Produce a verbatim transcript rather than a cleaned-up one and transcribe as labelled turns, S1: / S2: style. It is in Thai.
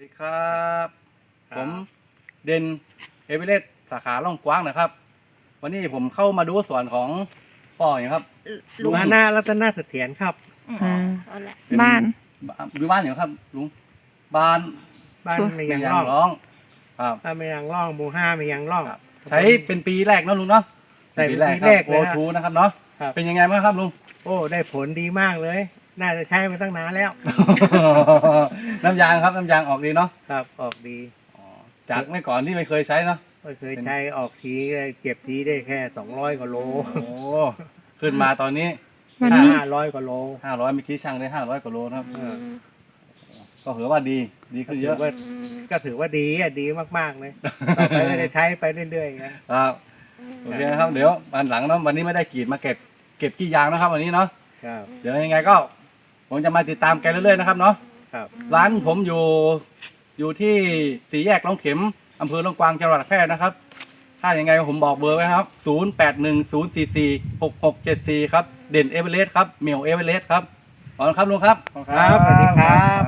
S1: สวัสดีครับผมเด่นเอเวอเรสต์สาขาล่องกว้างนะครับ วันนี้ผมเข้ามาดูสวนของพ่ออย่างครับ
S2: ลุง
S3: มาหน้ารัตนาเสถียรครับ
S2: อืม
S4: อ่า
S2: เอาละ
S1: เป็น
S4: บ้าน
S1: วิบ้านอย่างครับลุงบ้าน
S3: บ้าน
S4: ชัวร์
S3: ไม่ยัง
S1: ยา
S3: ร่อง
S1: ร้องครับ
S3: บ้านไม่ยังร่องหมู่ห้าไม่ยังร่อง
S1: ครับ ใช้เป็นปีแรกเนอะลุงเนาะ
S3: ใช่เป็นปี
S1: ค
S3: แร
S1: รับ
S3: ก
S1: โอ
S3: เลยครับ
S1: ทูนะครับเนาะ
S3: ครับ
S1: เป็นยังไงบ้างครับลุง
S3: โอ้ได้ผลดีมากเลย น่าจะใช้มาตั้งนานแล้ว
S1: น้ำยางครับน้ำยางออกดีเนาะ
S3: ครับออกดี
S1: อ๋อจากเมื่อก่อนที่ไม่เคยใช้เนาะ
S3: ไม่เคยใช้ออกทีเก็บทีได้แค่สองร้อยกว่าโล
S1: โอ้ขึ้นมาตอนนี้
S4: วันนี้
S3: ห้าร้อยกว่าโล
S1: ห้าร้อยเมื่อกี้ช่างได้ห้าร้อยกว่าโลนะครับ
S3: เออ
S1: ก็ถือว่าดีดีขึ้นเย
S3: ถื
S1: อะ
S3: อว่าก็ถือว่าดีอ่ะดีมากๆเลยต่อไปก็จะใช้ไปเรื่อยๆนะครับ
S1: โอเคนะครับเดี๋ยววันหลังเนาะวันนี้ไม่ได้กรีดมาเก็บเก็บขี้ยางนะครับ วันนี้เนาะ
S3: ครับ
S1: เดี๋ยวยังไงก็ผมจะมาติดตามแกเรื่อยๆนะครับเนาะ
S3: ครับ
S1: ร้านผมอยู่อยู่ที่สี่แยกลงเข็มอำเภอลงกวางจังหวัดแพร่นะครับ ถ้าอย่างไงผมบอกเบอร์ไว้นะครับศูนย์แปดหนึ่งศูนย์สี่สี่หกหกเจ็ดสี่ครับเด่นเอเวอเรสต์ครับเหมียวเอเวอเรสต์ครับขอบคุณครับลุงครับ
S3: ครับสวัสดีครับ